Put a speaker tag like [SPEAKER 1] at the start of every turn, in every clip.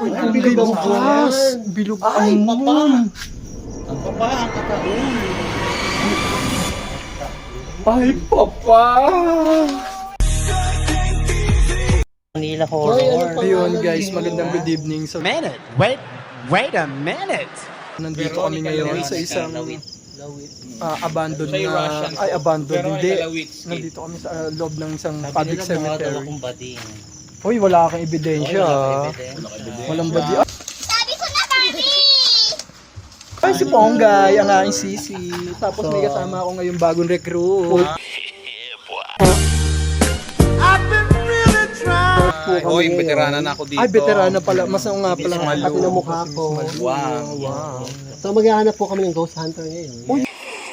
[SPEAKER 1] Uy, Ponggay bukas. Bilog ang moon.
[SPEAKER 2] Ang papa, ang kataon.
[SPEAKER 1] Ay, papa.
[SPEAKER 2] Manila Horror.
[SPEAKER 1] Ayun guys, magandang good evening. So,
[SPEAKER 3] Wait a minute.
[SPEAKER 1] nandito kami ngayon sa isang
[SPEAKER 2] Lawit.
[SPEAKER 1] abandoned
[SPEAKER 4] Siya yung
[SPEAKER 1] na...
[SPEAKER 4] Russian.
[SPEAKER 1] Ay, abandoned. Hindi.
[SPEAKER 4] Kalawits.
[SPEAKER 1] Nandito kami sa loob ng isang
[SPEAKER 2] Sabi
[SPEAKER 1] public
[SPEAKER 2] nila mga daw
[SPEAKER 1] cemetery.
[SPEAKER 2] akong bading.
[SPEAKER 1] Uy, wala kang ebidensya. Walang badi.
[SPEAKER 5] Sabi ko na, Barbie!
[SPEAKER 1] Ay, si Ponggay, ang aking sisi. Tapos may kasama ako ngayong bagong recruit.
[SPEAKER 4] Hoy, veterana na ako dito.
[SPEAKER 1] Ay, veterana pala. Mas nga pala.
[SPEAKER 4] Miss Malu.
[SPEAKER 1] Pati na mukha ko.
[SPEAKER 4] Wow.
[SPEAKER 1] Wow.
[SPEAKER 6] So maghahanap po kami ng ghost hunter ngayon.
[SPEAKER 1] Uy.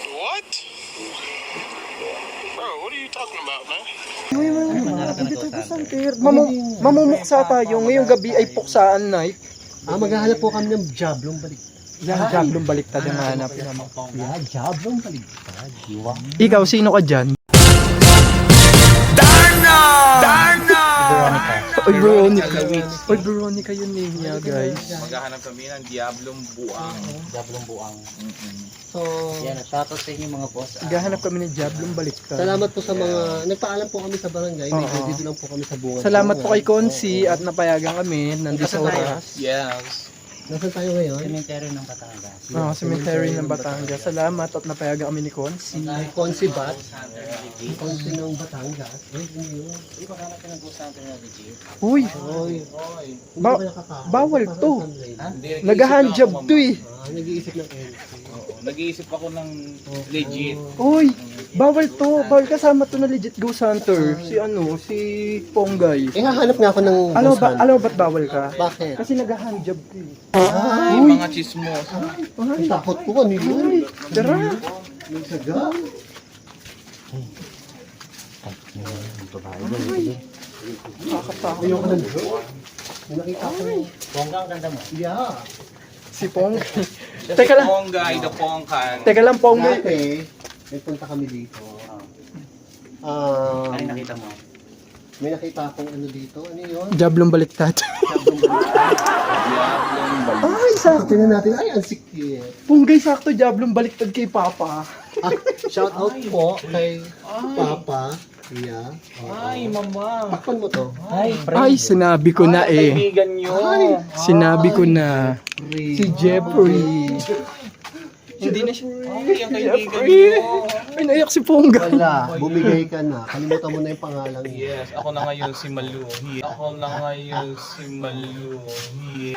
[SPEAKER 1] Hindi tayo kusantir. Mamumuksa tayo. Ngayong gabi ay puksaan night.
[SPEAKER 6] Maghahanap po kami ng jablong baliktad.
[SPEAKER 1] Yan, jablong baliktad ang hanapin naman.
[SPEAKER 6] Yeah, jablong baliktad.
[SPEAKER 1] Ikaw, sino ka dyan? Oy, Veronica. Oy, Veronica yun niya, guys.
[SPEAKER 4] Maghahanap kami ng Diablong Buang.
[SPEAKER 2] Dablong buang.
[SPEAKER 6] So,
[SPEAKER 2] Yan, shoutout sa inyo mga boss.
[SPEAKER 1] Gahanap kami ng jablong baliktad.
[SPEAKER 6] salamat po sa mga, nagpaalam po kami sa barangay. Medyo
[SPEAKER 1] Oo.
[SPEAKER 6] dito lang po kami sa bunga.
[SPEAKER 1] Salamat po kay Konsi at napayagan kami nandito sa oras.
[SPEAKER 4] Yes.
[SPEAKER 6] Nasaan tayo ngayon?
[SPEAKER 2] Cemetery ng Batangas.
[SPEAKER 1] Cemetery ng Batangas. Salamat at napayagan kami ni Konsi.
[SPEAKER 6] Konsi Bat. Konsi ng Batangas. Uy, ano yun?
[SPEAKER 2] Hindi ba hanap ka ng ghost hunter na legit?
[SPEAKER 1] Uy,
[SPEAKER 6] Oy, hindi
[SPEAKER 1] Ba-
[SPEAKER 6] ba nakakain?
[SPEAKER 1] bawal
[SPEAKER 6] Parang
[SPEAKER 1] to.
[SPEAKER 6] sunlight.
[SPEAKER 4] Hindi,
[SPEAKER 1] nag-handjob to eh.
[SPEAKER 6] Nag-iisip ng end.
[SPEAKER 4] Oo, nag-iisip ako ng legit.
[SPEAKER 1] Uy, bawal to. Bawal kasama to na legit ghost hunter. Si si Ponggay.
[SPEAKER 6] Hahanap nga ako ng
[SPEAKER 1] Alam mo
[SPEAKER 6] ghost
[SPEAKER 1] ba,
[SPEAKER 6] hunter.
[SPEAKER 1] alam mo ba't bawal ka?
[SPEAKER 6] Bakit?
[SPEAKER 1] Kasi nag-handjob to eh.
[SPEAKER 4] Ay, mga chismos.
[SPEAKER 6] Ang takot ko, ano yun?
[SPEAKER 1] Tara.
[SPEAKER 6] Nagsaga?
[SPEAKER 1] Nakakatakot.
[SPEAKER 6] Ayoko ng drone. May nakita ko.
[SPEAKER 2] Bongga, ang ganda mo.
[SPEAKER 6] Yeah.
[SPEAKER 1] Si Ponggay.
[SPEAKER 4] Siya
[SPEAKER 1] Teka
[SPEAKER 4] si
[SPEAKER 1] lang.
[SPEAKER 4] Ponggay, the Pongkan.
[SPEAKER 1] Teka lang, Ponggay.
[SPEAKER 6] Dati, nagpunta kami dito.
[SPEAKER 2] Ano yung nakita mo?
[SPEAKER 6] May nakita akong ano dito. Ano yun?
[SPEAKER 1] Jablong baliktad.
[SPEAKER 6] Jablong baliktad.
[SPEAKER 4] Diablong Buang.
[SPEAKER 1] Ay, sakto.
[SPEAKER 6] Tingnan natin. Ay, ang sikit.
[SPEAKER 1] Ponggay, sakto. Jablong baliktad kay Papa.
[SPEAKER 6] Shout out po kay Papa. Yeah.
[SPEAKER 4] Ay, mama.
[SPEAKER 6] Takpan mo to.
[SPEAKER 2] Ay,
[SPEAKER 1] Ay, sinabi ko na eh.
[SPEAKER 4] Kaibigan nyo.
[SPEAKER 1] Sinabi ko na. Si Jeffrey.
[SPEAKER 4] Hindi na siya. Ay, ang kaibigan
[SPEAKER 1] Jeffrey.
[SPEAKER 4] nyo.
[SPEAKER 1] Ay, naiyak si Ponggay.
[SPEAKER 6] Wala. Bumigay ka na. Kalimutan mo na yung pangalan niya.
[SPEAKER 4] Yes, ako na ngayon si Maluhi. Ako na ngayon si Maluhi.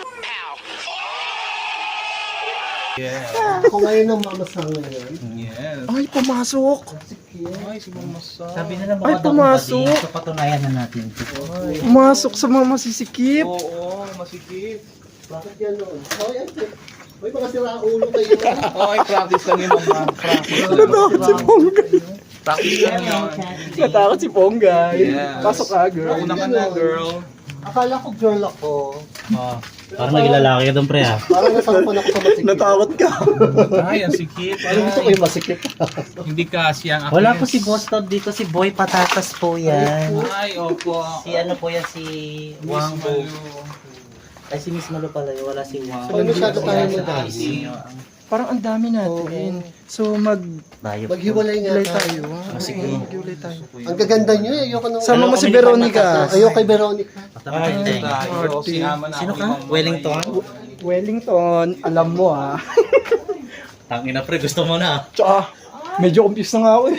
[SPEAKER 4] Yes.
[SPEAKER 6] Ako ngayon ang mamasang ngayon.
[SPEAKER 4] Yes.
[SPEAKER 1] Ay, pumasok.
[SPEAKER 4] Ay, si Mama Sa.
[SPEAKER 2] sabi nila
[SPEAKER 1] Ay,
[SPEAKER 2] mga daw
[SPEAKER 1] pumasok.
[SPEAKER 2] bading. So, patunayan na natin.
[SPEAKER 1] Pumasok sa mga masisikip.
[SPEAKER 4] Oo, masikip.
[SPEAKER 6] Bakit yan noon? Oh, yan. Uy, mga siraulo kayo.
[SPEAKER 4] Okay, practice lang yun, Mama. Practice lang.
[SPEAKER 1] Natakot si Ponggay.
[SPEAKER 4] Practice lang yun.
[SPEAKER 1] Natakot si Ponggay.
[SPEAKER 4] Yes.
[SPEAKER 1] Pasok ka, girl.
[SPEAKER 4] Una ka na, girl.
[SPEAKER 6] Akala ko girl ako.
[SPEAKER 2] Parang naging lalaki ka doon, pre, ha?
[SPEAKER 6] Parang nasampan ako sa masikip.
[SPEAKER 1] Natakot ka.
[SPEAKER 4] Ay, ang sikip.
[SPEAKER 6] Parang gusto ko yung masikip.
[SPEAKER 4] Hindi kasi ang akin.
[SPEAKER 2] Wala po si Boss Todd dito, si Boy Patatas po yan.
[SPEAKER 4] Ay, opo.
[SPEAKER 2] Si ano po yan, si
[SPEAKER 4] Miss
[SPEAKER 2] Wang Bo.
[SPEAKER 4] Malu.
[SPEAKER 2] Ay, si Miss Malu pala yun, wala si Wang.
[SPEAKER 6] So, masyado tayo
[SPEAKER 2] Sa
[SPEAKER 6] madami.
[SPEAKER 2] IC.
[SPEAKER 1] Parang ang dami natin. So,
[SPEAKER 2] Bayo.
[SPEAKER 6] Maghiwalay nga
[SPEAKER 1] maghiwalay
[SPEAKER 6] tayo.
[SPEAKER 1] tayo.
[SPEAKER 2] Sige.
[SPEAKER 1] Maghiwalay tayo.
[SPEAKER 6] Ang gaganda nyo eh. Ayoko nang...
[SPEAKER 1] Sama mo si
[SPEAKER 2] kami ni
[SPEAKER 1] Veronica.
[SPEAKER 2] Patatas.
[SPEAKER 6] Ayoko kay Veronica.
[SPEAKER 4] Ay, tayo. Sinama na
[SPEAKER 2] Sino
[SPEAKER 4] ako
[SPEAKER 2] ka?
[SPEAKER 4] ni Mama
[SPEAKER 2] Wellington?
[SPEAKER 4] ngayon.
[SPEAKER 1] Wellington, alam mo ah.
[SPEAKER 2] Tangina, pre, gusto mo na.
[SPEAKER 1] Tsaka, medyo confused na nga ako eh.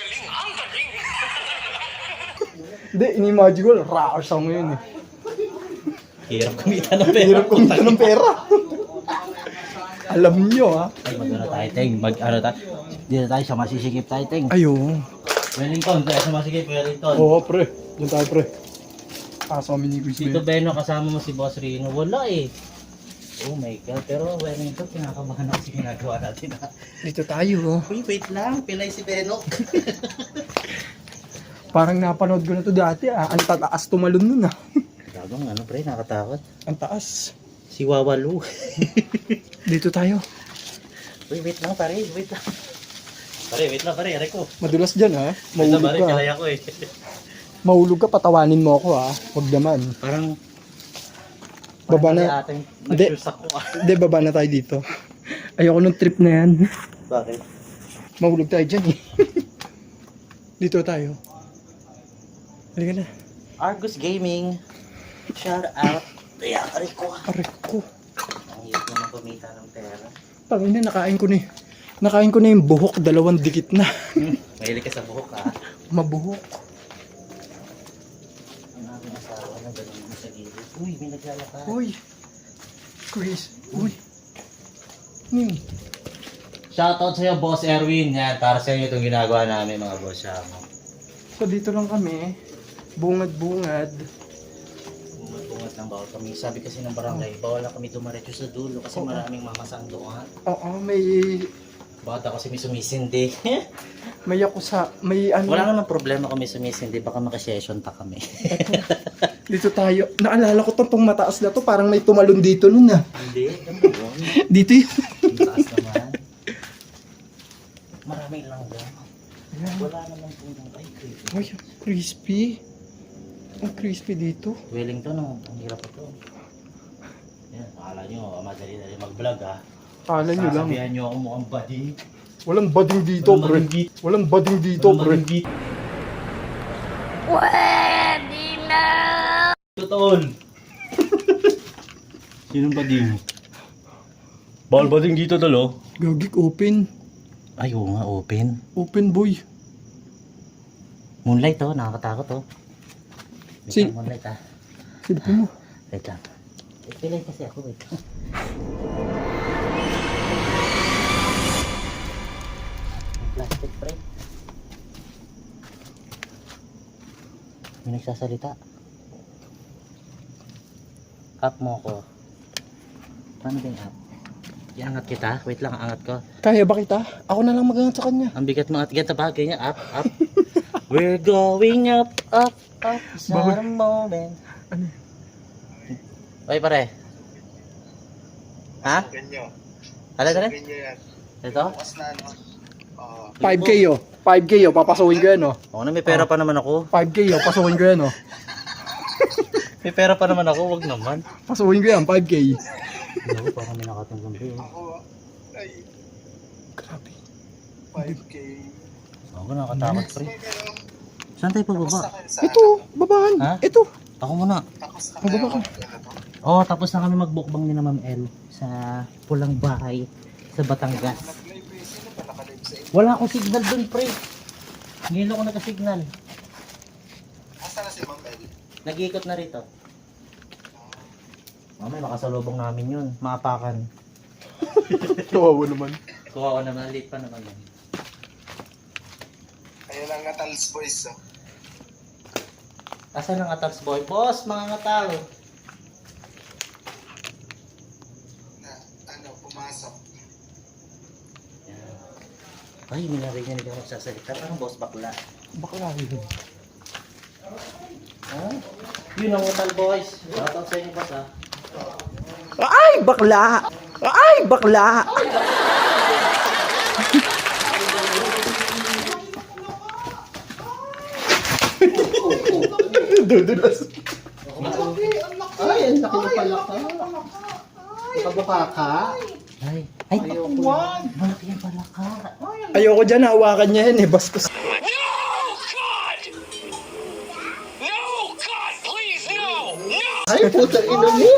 [SPEAKER 1] Hindi, ini-imagine ko, rocker song yun eh.
[SPEAKER 2] Hirap kumita ng pera.
[SPEAKER 1] Hirap kumita ng pera. Alam nyo ah.
[SPEAKER 2] Ay, mag-ano tayo, Teng. Mag-ano tayo. Dito tayo sa masisikip tayo, Teng.
[SPEAKER 1] Ayun.
[SPEAKER 2] Wellington, tayo sa masisikip, Wellington.
[SPEAKER 1] Oo, pre. Diyan tayo, pre. Kaso kami ni Chris
[SPEAKER 2] Dito,
[SPEAKER 1] Ben.
[SPEAKER 2] Beno, kasama mo si Boss Rino. Wala eh. Oh my God. Pero Wellington, kinakabahan ako sa ginagawa natin. Ha?
[SPEAKER 1] Dito tayo.
[SPEAKER 2] Uy, wait lang. Pilay si Beno.
[SPEAKER 1] Parang napanood ko na to dati ah. Ang tataas tumalon nun ah.
[SPEAKER 2] Gagong ano, pre, nakatakot.
[SPEAKER 1] Ang taas.
[SPEAKER 2] Si Wawalu.
[SPEAKER 1] Dito tayo.
[SPEAKER 2] Uy, wait lang, pare. Wait lang. Pare, wait lang, pare. Aray ko.
[SPEAKER 1] Madulas dyan ha.
[SPEAKER 2] Wait lang,
[SPEAKER 1] Mahulog
[SPEAKER 2] pare.
[SPEAKER 1] ka.
[SPEAKER 2] Kalay ako eh.
[SPEAKER 1] Mahulog ka, patawanin mo ako ha. Huwag naman.
[SPEAKER 2] Parang
[SPEAKER 1] Baba
[SPEAKER 2] Parang
[SPEAKER 1] na.
[SPEAKER 2] ating
[SPEAKER 1] Hindi.
[SPEAKER 2] nag-shoes ako.
[SPEAKER 1] Hindi, baba na tayo dito. Ayoko nung trip na yan.
[SPEAKER 2] Bakit?
[SPEAKER 1] Mahulog tayo dyan eh. Dito tayo. Halika na.
[SPEAKER 2] Argus Gaming. Shout out. Ay, aray ko.
[SPEAKER 1] Aray ko.
[SPEAKER 2] Ang hirap naman kumita ng pera.
[SPEAKER 1] Pangina, nakain ko na eh. Nakain ko na yung buhok, 2 dikit na.
[SPEAKER 2] Mahilig ka sa buhok ha.
[SPEAKER 1] Mabuhok.
[SPEAKER 2] Ang namin asawa na ganun mo sa gilid. Uy, may naglalakad.
[SPEAKER 1] Uy. Chris. Uy. Hmm.
[SPEAKER 2] Shoutout sa'yo, Boss Erwin. Yan, para sa inyo itong ginagawa namin mga boss.
[SPEAKER 1] So dito lang kami. Bungad-bungad.
[SPEAKER 2] Bungat lang bawal kami. Sabi kasi ng barangay, bawal lang kami dumaretso sa dulo kasi maraming mamasang doon.
[SPEAKER 1] Oo, may...
[SPEAKER 2] Baka kasi may sumisindi.
[SPEAKER 1] May ako sa... May ano...
[SPEAKER 2] Wala naman problema kung may sumisindi. Baka makasession pa kami.
[SPEAKER 1] Dito tayo. Naalala ko tong mataas na to. Parang may tumalon dito nun ah.
[SPEAKER 2] Hindi, ganda yun.
[SPEAKER 1] Dito yun.
[SPEAKER 2] Ang taas naman. Maraming langgam.
[SPEAKER 1] Ayan.
[SPEAKER 2] Wala naman po ng ay creepy.
[SPEAKER 1] Uy, crispy. Ang crispy dito.
[SPEAKER 2] Wellington, ang hirap ito. Yan, akala nyo, madali-dali mag-vlog ha.
[SPEAKER 1] Kala nyo lang.
[SPEAKER 2] Sasabihan nyo ako mukhang bading.
[SPEAKER 1] Walang bading dito,
[SPEAKER 2] Walang
[SPEAKER 1] pre.
[SPEAKER 2] bading dito.
[SPEAKER 1] Walang bading dito,
[SPEAKER 2] Walang
[SPEAKER 1] pre.
[SPEAKER 2] bading dito.
[SPEAKER 5] Pwede na!
[SPEAKER 2] Totoo. Sinong bading? Bawal bading dito talo.
[SPEAKER 1] Gagik, open.
[SPEAKER 2] Ay, oo nga, open.
[SPEAKER 1] Open, boy.
[SPEAKER 2] Moonlight oh, nakakatakot oh. Wait
[SPEAKER 1] Si-
[SPEAKER 2] lang, moonlight ah.
[SPEAKER 1] Silipin mo.
[SPEAKER 2] Wait lang. Pilay kasi ako, wait lang. Plastic pre. May nagsasalita. Up mo ko. Paano ba yung up? Iangat kita? Wait lang, angat ko.
[SPEAKER 1] Kaya ba kita? Ako na lang magangat sa kanya.
[SPEAKER 2] Ang bigat mo at ganito ba? Ganyan, up, up. We're going up, up, up. Sa moment.
[SPEAKER 1] Ano?
[SPEAKER 2] Oy pare. Ha? Ano tara? Ito?
[SPEAKER 1] 5K oh. 5K oh. Papasukin ko yan oh.
[SPEAKER 2] Oo na, may pera pa naman ako.
[SPEAKER 1] 5K oh. Pasukin ko yan oh.
[SPEAKER 2] May pera pa naman ako, wag naman.
[SPEAKER 1] Pasukin ko yan. 5K.
[SPEAKER 2] Ako, parang may nakatanggang ba yun.
[SPEAKER 1] Grabe.
[SPEAKER 6] 5K.
[SPEAKER 2] Ako, nakakatakot pre. Saan tayo pababa?
[SPEAKER 1] Ito. Babahan.
[SPEAKER 2] Ha?
[SPEAKER 1] Ito.
[SPEAKER 2] Ako muna.
[SPEAKER 1] Bababa ka.
[SPEAKER 2] Oh, tapos na kami magbukbang ni na Ma'am El sa pulang bahay sa Batangas. Wala akong signal dun, pre. Ngayon ako nagka-signal.
[SPEAKER 6] Asa na si Ma'am El?
[SPEAKER 2] Nag-iikot na rito. Mamay, makasalubong namin yun. Maapakan.
[SPEAKER 1] Kawawa naman.
[SPEAKER 2] Kuha ko naman, late pa naman yun.
[SPEAKER 6] Ayun ang Natals Boys. Oh.
[SPEAKER 2] Asan ang Atals Boy? Boss, mga ngatal.
[SPEAKER 6] Na, pumasok.
[SPEAKER 2] Ay, may narinig ako nagsasalita. Parang boss bakla.
[SPEAKER 1] Bakla yun.
[SPEAKER 2] Ha? Yun ang Atal Boys. Shoutout sa inyo, boss ha.
[SPEAKER 1] Ay, bakla! Ay, bakla! Dudulas.
[SPEAKER 6] Ay, ang laki na pala ka. Nakabaka ka.
[SPEAKER 2] Ay, ay, malaki yung palaka.
[SPEAKER 1] Ayoko dyan, hawakan niya yan eh. Bastos.
[SPEAKER 6] Ay, puta ina mo.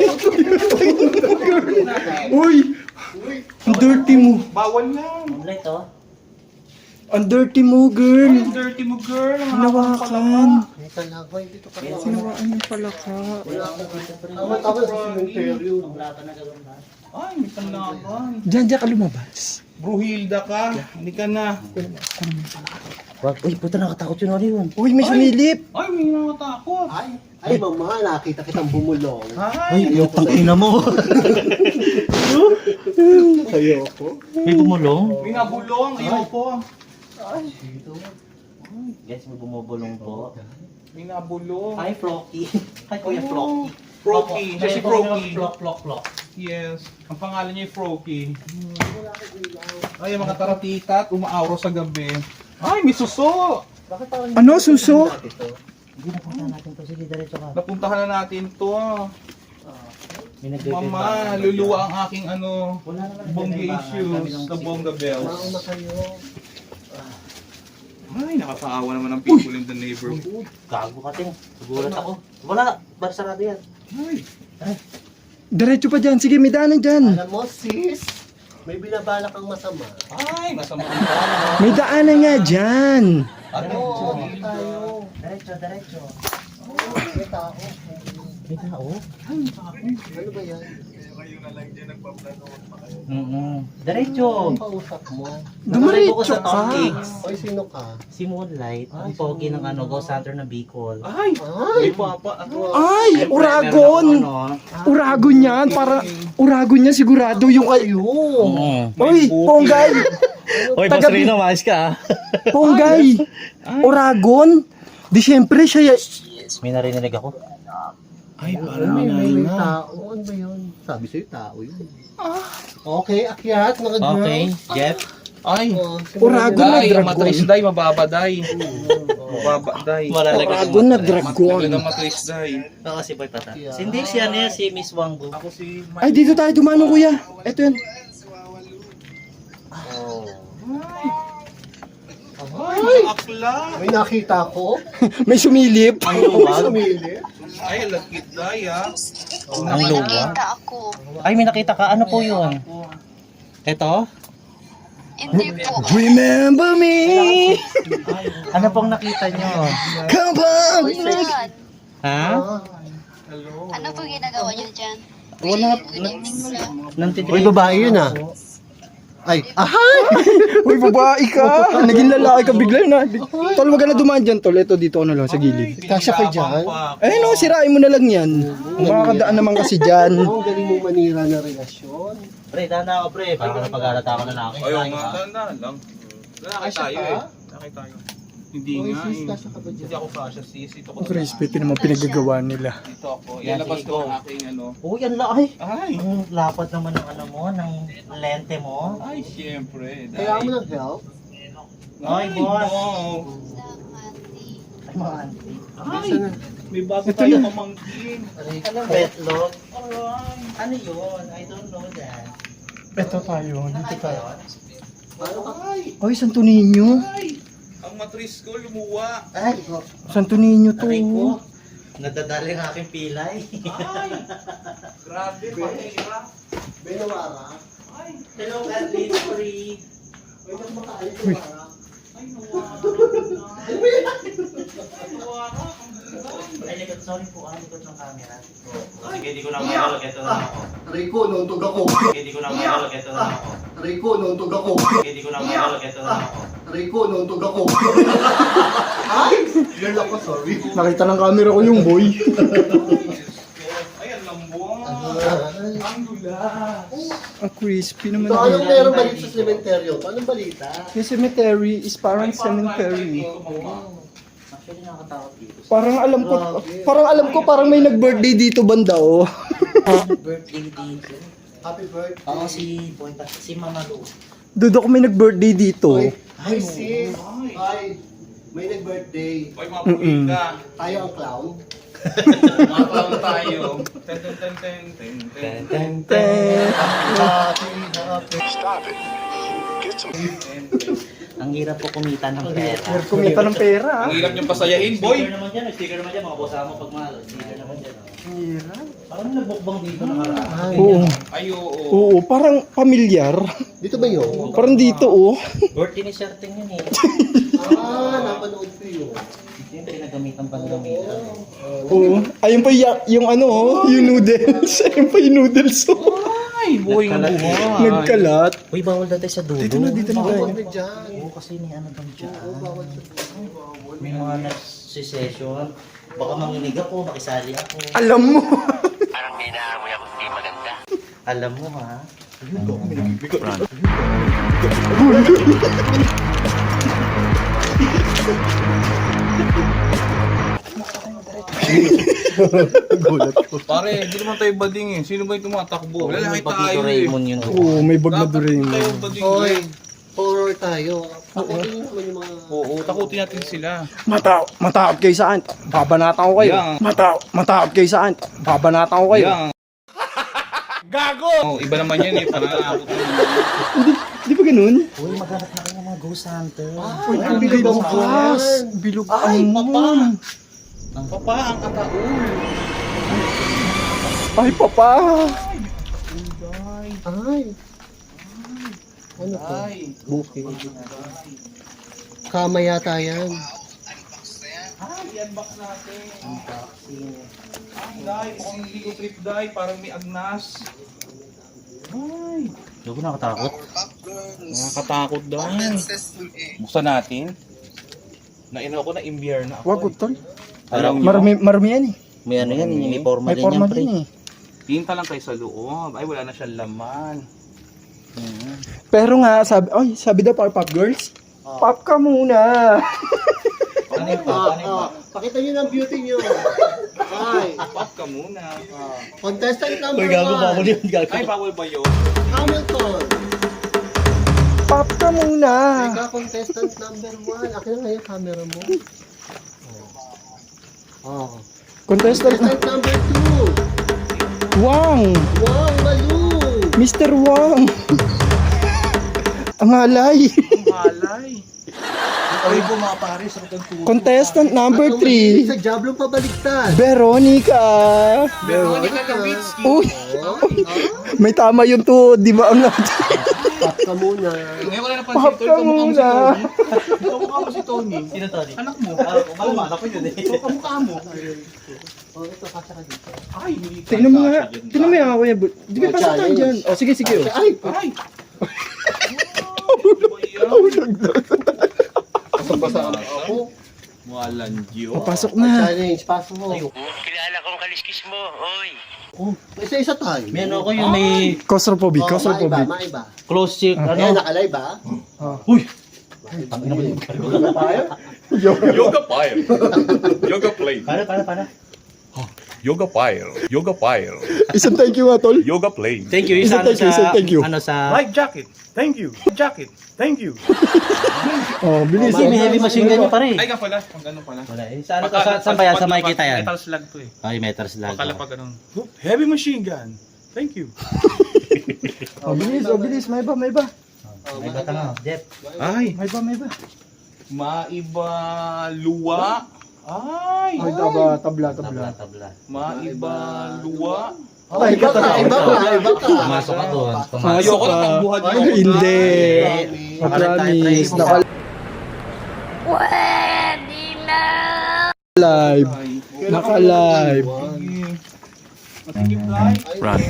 [SPEAKER 1] Uy! Ang dirty mo.
[SPEAKER 4] Bawal yan.
[SPEAKER 2] Moonlight oh.
[SPEAKER 1] Ang dirty mo, girl.
[SPEAKER 4] Dirty mo, girl.
[SPEAKER 1] Hinawakan.
[SPEAKER 6] Ay, talaga, dito ka na.
[SPEAKER 1] Sinawaan yung palaka.
[SPEAKER 2] Wala akong dito pre.
[SPEAKER 6] Tama sa cemetery.
[SPEAKER 2] Ang lata na gawin ba?
[SPEAKER 4] Ay, may panlaban.
[SPEAKER 1] Diyan ka lumabas.
[SPEAKER 4] Bruhilda ka. Hindi ka na.
[SPEAKER 2] Wag, uy, puta nakatakot yun. Ano yun?
[SPEAKER 1] Uy, may sumilip.
[SPEAKER 4] Ay, may nakatakot.
[SPEAKER 6] Ay, mama, nakita kitang bumulong.
[SPEAKER 4] Ay,
[SPEAKER 2] Putang ina mo.
[SPEAKER 6] Ayoko.
[SPEAKER 2] May bumulong?
[SPEAKER 4] may nabulong. Ayoko.
[SPEAKER 2] Guys, may bumubulong po.
[SPEAKER 4] May nabulong.
[SPEAKER 2] Hi, Flocky. Hi, Kuya Flocky.
[SPEAKER 4] Froky. Siya si Froky.
[SPEAKER 2] Flock.
[SPEAKER 4] Yes. Ang pangalan niya ay Froky. Ay, mga taratita at umaawro sa gabi. Ay, may suso.
[SPEAKER 2] Bakit parang
[SPEAKER 1] Ano, suso?
[SPEAKER 2] Hindi napunta natin to. Sige, diretso ka.
[SPEAKER 4] Napuntahan na natin to.
[SPEAKER 2] May nagbe-bed
[SPEAKER 4] Mama,
[SPEAKER 2] ba?
[SPEAKER 4] luluwa ang aking ano,
[SPEAKER 2] Wala naman
[SPEAKER 4] bongga
[SPEAKER 2] nagbe-bed ba?
[SPEAKER 4] issues
[SPEAKER 2] Sabi ng
[SPEAKER 4] sa bongga bells.
[SPEAKER 6] Mauna kayo.
[SPEAKER 4] Ay, nakakaawa naman ang people in the neighborhood.
[SPEAKER 2] Gago ka, Ting. Gulat ako. Wala, bar sarado yan.
[SPEAKER 4] Ay,
[SPEAKER 1] Diretso pa dyan. Sige, may daanan dyan.
[SPEAKER 6] Alam mo, sis, may binabalak kang masama.
[SPEAKER 4] ay, masama ang tao.
[SPEAKER 1] May daanan nga dyan.
[SPEAKER 4] Ano?
[SPEAKER 6] Dito tayo.
[SPEAKER 2] Diretso.
[SPEAKER 6] May tao.
[SPEAKER 2] May tao?
[SPEAKER 6] Ano ba yan?
[SPEAKER 2] Diretso.
[SPEAKER 6] Ang pausap mo.
[SPEAKER 2] Nakalive ako
[SPEAKER 1] Dumiretso
[SPEAKER 2] sa
[SPEAKER 1] ka.
[SPEAKER 2] Tom Kicks.
[SPEAKER 6] Oy, sino ka?
[SPEAKER 2] Si Moonlight, ang pogi ng ano, Ghost Hunter na Bicol.
[SPEAKER 4] Ay,
[SPEAKER 6] Ay!
[SPEAKER 4] may papa ako.
[SPEAKER 1] Ay,
[SPEAKER 2] Siyempre,
[SPEAKER 1] Uragon.
[SPEAKER 2] meron ako, ano,
[SPEAKER 1] Uragon yan. Para, Uragon yan sigurado yung kayo. Uy, Ponggay.
[SPEAKER 2] Hoy,
[SPEAKER 1] Taga-
[SPEAKER 2] Boss Rino, maayos ka ah.
[SPEAKER 1] Ponggay. Uragon. Di syempre siya.
[SPEAKER 2] May narinig ako.
[SPEAKER 4] Ay,
[SPEAKER 6] May tao. Ano ba yun? Sabi sa'yo, tao yun. Okay, akyat, mga girls.
[SPEAKER 2] Okay, Jeff.
[SPEAKER 4] Ay,
[SPEAKER 6] Oh,
[SPEAKER 1] Uragon na
[SPEAKER 4] day,
[SPEAKER 1] dragon.
[SPEAKER 4] matris day, mababa day. Mababa day.
[SPEAKER 1] Uragon na dragon.
[SPEAKER 4] Talaga matris day.
[SPEAKER 2] Oo, si Boy Pata. Hindi siya niya, si Miss Wanggo.
[SPEAKER 4] Ako si
[SPEAKER 1] Ay, dito tayo dumano, kuya. Ito yan.
[SPEAKER 4] Ay, akla.
[SPEAKER 6] May nakita ko.
[SPEAKER 1] May sumilip.
[SPEAKER 2] Ang
[SPEAKER 6] May
[SPEAKER 2] luwag.
[SPEAKER 6] sumili.
[SPEAKER 4] Ay, lagkit day ah.
[SPEAKER 2] Ang luwag.
[SPEAKER 5] Nakita ako.
[SPEAKER 2] Ay, may nakita ka. Ano po yun? Ito?
[SPEAKER 5] Hindi po.
[SPEAKER 1] Remember me.
[SPEAKER 2] Ano pong nakita nyo?
[SPEAKER 1] Come on.
[SPEAKER 5] Saan?
[SPEAKER 2] Ha?
[SPEAKER 5] Ano po ginagawa niyo dyan?
[SPEAKER 2] Wala.
[SPEAKER 6] Uy, babae yun ah. Ay, ahay!
[SPEAKER 1] Uy, babae ka. Naging lalaki ka bigla na. Tol, wag ka na dumaan dyan, tol. Ito, dito ano lang, sa gilid.
[SPEAKER 6] Kasya ka dyan.
[SPEAKER 1] Eh no, sirain mo na lang yan. Makakadaan naman kasi dyan.
[SPEAKER 6] Ang galing mo manira na relasyon.
[SPEAKER 2] Pre, tanda ako pre. Parang napag-alat ako na aking
[SPEAKER 4] Ayaw
[SPEAKER 2] kain,
[SPEAKER 4] nga,
[SPEAKER 2] ha?
[SPEAKER 4] tanda lang. Lalaki
[SPEAKER 6] Kasya
[SPEAKER 4] tayo
[SPEAKER 6] ka?
[SPEAKER 4] eh. Lalaki tayo. Hindi
[SPEAKER 6] Uy,
[SPEAKER 4] nga
[SPEAKER 6] sis,
[SPEAKER 4] eh.
[SPEAKER 6] kasya ka ba
[SPEAKER 4] Hindi
[SPEAKER 6] dyan?
[SPEAKER 4] ako kasha sis. Ito ko.
[SPEAKER 1] Ang crispy, naman pinagagawa nila.
[SPEAKER 4] Dito ako.
[SPEAKER 2] Yan,
[SPEAKER 4] Ilabas
[SPEAKER 2] sige,
[SPEAKER 4] ko ang
[SPEAKER 2] go.
[SPEAKER 4] aking ano.
[SPEAKER 2] Uy, ang laki.
[SPEAKER 4] Ay!
[SPEAKER 2] Ang lapad naman ng ano mo, ng lente mo.
[SPEAKER 4] Ay, siyempre.
[SPEAKER 6] Kailangan mo ng help?
[SPEAKER 2] Ay, boss.
[SPEAKER 4] no.
[SPEAKER 2] Ay, mga auntie.
[SPEAKER 4] Ay, may bago tayo pamangkin.
[SPEAKER 2] Anong betlog? Ano yun? I don't know that.
[SPEAKER 1] Ito tayo, dito tayo.
[SPEAKER 4] Ay,
[SPEAKER 1] Ay, Santo Niño.
[SPEAKER 4] ay. Ang matris ko lumuwa.
[SPEAKER 2] Ay,
[SPEAKER 1] Santo Niño to.
[SPEAKER 2] aray ko. Nadadali ang aking pilay.
[SPEAKER 4] Ay! Grabe, pahira.
[SPEAKER 6] Benawara.
[SPEAKER 2] Hello, Kathleen Free.
[SPEAKER 6] Uy, mas makaalit yung wara.
[SPEAKER 4] Ay, nawara. Nawara.
[SPEAKER 2] Ay, likod. Sorry po, likod ng camera. Sige, di ko na magalog. Ito na ako.
[SPEAKER 6] Rico, nauntog ako.
[SPEAKER 2] Sige, di ko na magalog. Ito na ako.
[SPEAKER 6] Rico, nauntog ako.
[SPEAKER 2] Sige, di ko na magalog. Ito na ako.
[SPEAKER 6] Rico, nauntog ako. Ay! Girl ako, sorry.
[SPEAKER 1] Nakita ng camera ko yung boy.
[SPEAKER 4] Ay, ang lambong.
[SPEAKER 6] Ay.
[SPEAKER 4] Ang lula.
[SPEAKER 1] Ang crispy naman.
[SPEAKER 6] So, anong meron ba dito sa cementerio? Anong balita?
[SPEAKER 1] Yung cemetery is parang cemetery.
[SPEAKER 2] Actually, nakakatakot dito.
[SPEAKER 1] Parang alam ko parang may nag-birthday dito banda oh.
[SPEAKER 2] Birthday dito.
[SPEAKER 6] Happy birthday.
[SPEAKER 2] Oo, si Boy Pat, si Mama Lu.
[SPEAKER 1] Dudo ko may nag-birthday dito.
[SPEAKER 6] Uy, ay sis. Ay, may nag-birthday.
[SPEAKER 4] Ay, mapuwi ka.
[SPEAKER 6] Tayo ang clown.
[SPEAKER 4] Mapang tayo. Ten, ten, ten, ten, ten, ten.
[SPEAKER 2] Ten, ten. Ang hirap po kumita ng pera.
[SPEAKER 1] Kumita ng pera.
[SPEAKER 4] Ang hirap niyong pasayahin, boy.
[SPEAKER 2] Sticker naman dyan, sticker naman dyan, mga boss mo pag mahal. Sticker naman dyan. Parang nagbukbang dito nakaraan.
[SPEAKER 1] Oo.
[SPEAKER 4] Ay, oo.
[SPEAKER 1] Oo, parang pamilyar.
[SPEAKER 6] Dito ba yun?
[SPEAKER 1] Parang dito oh.
[SPEAKER 2] Birthday ni Sherting yun eh.
[SPEAKER 6] Napanood ko yun.
[SPEAKER 2] Yung pinagamitan pang gamitan.
[SPEAKER 1] Oo. Ayun pa yung ano oh, yung noodles. Ayun pa yung noodles oh.
[SPEAKER 4] Ay, boy, ang buhay.
[SPEAKER 1] Nagkalat.
[SPEAKER 2] Uy, bawal dati sa dulo.
[SPEAKER 1] Dito na tayo.
[SPEAKER 6] Bawal na dyan.
[SPEAKER 2] Oo, kasi may ano daw dyan.
[SPEAKER 6] Bawal sa
[SPEAKER 2] May mga nagsisession. Baka manginig ako, makisali ako.
[SPEAKER 1] Alam mo.
[SPEAKER 2] Alam mo ha?
[SPEAKER 4] Pare, hindi naman tayo bading eh. Sino ba yung tumatakbo? Lalaki tayo eh.
[SPEAKER 2] Raymond yun.
[SPEAKER 1] Oo, may bag na
[SPEAKER 4] Dapat
[SPEAKER 1] Doraemon.
[SPEAKER 4] tayo bading
[SPEAKER 6] Hoy,
[SPEAKER 4] eh.
[SPEAKER 6] horror tayo. Pakutin naman yung mga...
[SPEAKER 4] Oo, takutin natin sila.
[SPEAKER 1] Matakot kayo saan? Babanatan ko kayo.
[SPEAKER 4] Yang.
[SPEAKER 1] Matakot kayo saan? Babanatan ko kayo.
[SPEAKER 4] Yang. Oh, iba naman yan eh. Parang
[SPEAKER 1] Di ba ganun?
[SPEAKER 2] Uy, maghanap na kayo ng mga ghost hunter.
[SPEAKER 1] Uy, ang bilog ang gas. Bilog ang moon.
[SPEAKER 4] Papa, ang ataul.
[SPEAKER 1] Ay, papa.
[SPEAKER 6] Ay. Ano to?
[SPEAKER 4] Ay.
[SPEAKER 6] Bukid. Kama yata yan.
[SPEAKER 4] Ay, i-unbox natin. Ay, dahil mukhang hindi ko trip dahil parang may agnas. Ay,
[SPEAKER 2] Hindi ko nakatakot.
[SPEAKER 4] nakakatakot dahil. Buksan natin. Nainaw ko na imbiyer na ako.
[SPEAKER 1] Wag, tol.
[SPEAKER 4] Alam nyo,
[SPEAKER 1] Marami yan eh.
[SPEAKER 2] May ano yan, may forma
[SPEAKER 1] May
[SPEAKER 2] din
[SPEAKER 1] forma
[SPEAKER 2] yan, pre.
[SPEAKER 1] din eh.
[SPEAKER 4] tinta lang kayo sa loob. Ay, wala na siyang laman.
[SPEAKER 1] Pero nga, sabi daw para pop girls. Pop ka muna.
[SPEAKER 4] Ano yung pop? Ano yung pop?
[SPEAKER 6] Pakita nyo ng beauty nyo. Ay.
[SPEAKER 4] Pop ka muna.
[SPEAKER 6] Contestant number 1.
[SPEAKER 4] Ay, bawal ba yun?
[SPEAKER 6] Hamilton.
[SPEAKER 1] Pop ka muna.
[SPEAKER 6] Ikaw contestant number 1. Akin na nga yung camera mo. Oh.
[SPEAKER 1] Contestant
[SPEAKER 6] Contestant number 2.
[SPEAKER 1] Wang.
[SPEAKER 6] Wow, Malu.
[SPEAKER 1] Mr. Wang. Ang halay.
[SPEAKER 4] Ang halay. Ay, bumapare sa kagtuto.
[SPEAKER 1] Contestant number
[SPEAKER 6] At umahilig
[SPEAKER 1] 3.
[SPEAKER 6] sa Diablong pabaliktad.
[SPEAKER 1] Veronica.
[SPEAKER 4] Veronica Kavitsky.
[SPEAKER 1] Uy,
[SPEAKER 6] Oh,
[SPEAKER 1] may tama yun to. Di ba ang
[SPEAKER 6] Pop ka muna.
[SPEAKER 4] Ngayon wala napansin,
[SPEAKER 1] Pop
[SPEAKER 4] Tol.
[SPEAKER 1] ka
[SPEAKER 4] Kamukha mo si
[SPEAKER 1] muna.
[SPEAKER 4] Tony. Kamukha mo si Tony.
[SPEAKER 2] Sino to?
[SPEAKER 4] Anak mo.
[SPEAKER 2] Maluma ko yun eh.
[SPEAKER 4] Kamukha mo.
[SPEAKER 6] Oh, ito, kasya ka dito.
[SPEAKER 4] Ay, hindi ka
[SPEAKER 1] Tingnan mo nga.
[SPEAKER 4] kasya dyan.
[SPEAKER 1] Tingnan mo yan ako yan. Di ba pasok tayo dyan? O sige, sige. oh.
[SPEAKER 6] Ay,
[SPEAKER 4] Ay!
[SPEAKER 6] basa ako.
[SPEAKER 4] Walang Diyo.
[SPEAKER 1] Pasok na.
[SPEAKER 6] Challenge, pasok mo.
[SPEAKER 3] Kilala kong kaliskis mo, oy.
[SPEAKER 6] Oh, isa-isa tayo.
[SPEAKER 2] May ano ko yung may
[SPEAKER 1] Claustrophobic.
[SPEAKER 6] Oh,
[SPEAKER 1] Claustrophobic.
[SPEAKER 6] maiba.
[SPEAKER 2] close check,
[SPEAKER 6] Ayan,
[SPEAKER 2] ano?
[SPEAKER 6] nakalive ba?
[SPEAKER 2] Uy!
[SPEAKER 7] Yoga Fire. Yoga Plane.
[SPEAKER 2] Para.
[SPEAKER 7] Yoga Fire. Yoga Fire.
[SPEAKER 1] Isang thank you nga, tol.
[SPEAKER 7] Yoga Plane.
[SPEAKER 2] Thank you.
[SPEAKER 1] Isa,
[SPEAKER 2] Isa,
[SPEAKER 1] thank you.
[SPEAKER 2] Ano sa...
[SPEAKER 7] Life jacket. Thank you. Jacket. Thank you.
[SPEAKER 1] Oh, bilis.
[SPEAKER 2] Kasi may heavy machine gun yung pare.
[SPEAKER 4] Ay, nga pala. Kung ganun pala.
[SPEAKER 2] Wala eh. Sa ano to? Saan ba yan? Sa makikita yan?
[SPEAKER 4] Metal slug to eh.
[SPEAKER 2] Ay, metal slug.
[SPEAKER 4] Akala pa ganun.
[SPEAKER 7] Heavy machine gun. Thank you.
[SPEAKER 1] Oh, bilis. Oh, bilis. May iba.
[SPEAKER 2] May bata nga. Jeff.
[SPEAKER 4] Ay!
[SPEAKER 1] May iba.
[SPEAKER 4] Maiba luwa. Ay!
[SPEAKER 1] Ay, tabla.
[SPEAKER 2] Tabla.
[SPEAKER 4] Maiba luwa.
[SPEAKER 1] Ay,
[SPEAKER 6] Iba ka.
[SPEAKER 2] Pumasok ka doon.
[SPEAKER 4] Ayoko na pagbuhat
[SPEAKER 1] Ay,
[SPEAKER 4] mo.
[SPEAKER 1] hindi.
[SPEAKER 2] Promise.
[SPEAKER 1] Naka-live.
[SPEAKER 5] Pwede na!
[SPEAKER 1] Naka-live.
[SPEAKER 4] Masikip live.
[SPEAKER 7] Run.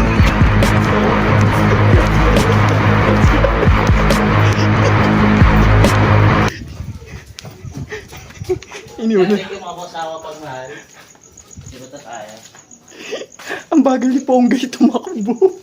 [SPEAKER 1] Iniuna.
[SPEAKER 2] Thank you mga kasawa pagmahal. Di ba tayo?
[SPEAKER 1] Ang bagal ni Ponggay tumakbo.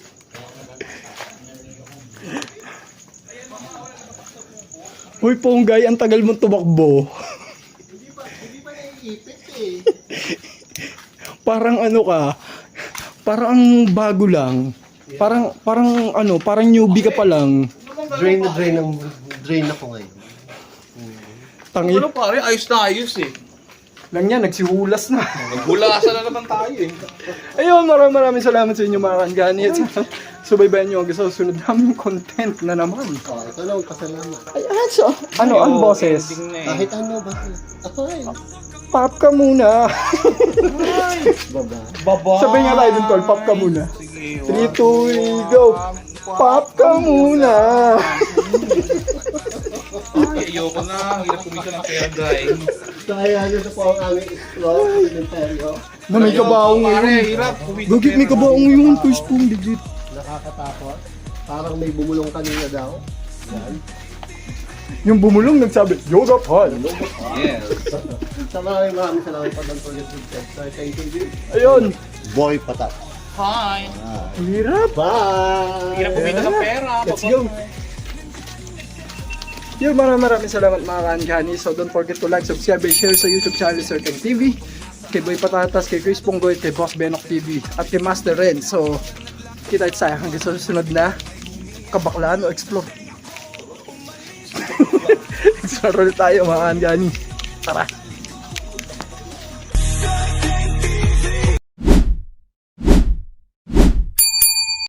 [SPEAKER 1] Uy, Ponggay, ang tagal mong tumakbo.
[SPEAKER 6] Hindi pa naiipit eh.
[SPEAKER 1] Parang ano ka, parang ang bago lang. Parang newbie ka pa lang.
[SPEAKER 6] Drain ako ngayon.
[SPEAKER 1] Tangi.
[SPEAKER 4] Ano pare, ayos na ayos eh.
[SPEAKER 1] Lang yan, nagsihulas na.
[SPEAKER 4] Naghulasan na naman tayo eh.
[SPEAKER 1] Ayun, maraming salamat sa inyo mga kangani. At subaybayan nyo ang susunod namin content na naman.
[SPEAKER 6] Oh, ito lang, pasalamat.
[SPEAKER 1] Ayan, so, ang boses?
[SPEAKER 4] Ending na eh.
[SPEAKER 6] Kahit ano ba? Ay,
[SPEAKER 1] Pop ka muna.
[SPEAKER 6] baba.
[SPEAKER 4] Baba.
[SPEAKER 1] Sabay nga tayo dun, tol, pop ka muna.
[SPEAKER 4] Sige.
[SPEAKER 1] 3, 2, go. Pop ka muna.
[SPEAKER 4] Ay, ayoko na. Hirap kumita ng pera guys.
[SPEAKER 6] Kaya na po ang aming explore sa cementerio.
[SPEAKER 1] Na may kabaong
[SPEAKER 4] Pare,
[SPEAKER 1] ngayon.
[SPEAKER 4] hirap kumita
[SPEAKER 1] Gagit may kabaong ngayon, push pong legit.
[SPEAKER 6] Nakakatakot. Parang may bumulong kanina daw. Yan.
[SPEAKER 1] Yung bumulong nagsabi, yoga pan.
[SPEAKER 4] Yes.
[SPEAKER 6] Sa maraming salamat pa ng Project Big So, thank you.
[SPEAKER 1] Ayun.
[SPEAKER 6] Boy Patat.
[SPEAKER 4] Hi.
[SPEAKER 1] Ang hirap.
[SPEAKER 6] Bye!
[SPEAKER 4] Hirap kumita ng pera.
[SPEAKER 1] Let's go. Yun, maraming salamat mga kaankani. So don't forget to like, subscribe, and share sa YouTube channel Sir Teng TV. Kay Boy Patatas, kay Chris Ponggoy, kay Boss Benok TV, at kay Master Ren. So, kita tayo hanggang sa susunod na kabaklaan o explore. Explore ulit tayo mga kaankani. Tara!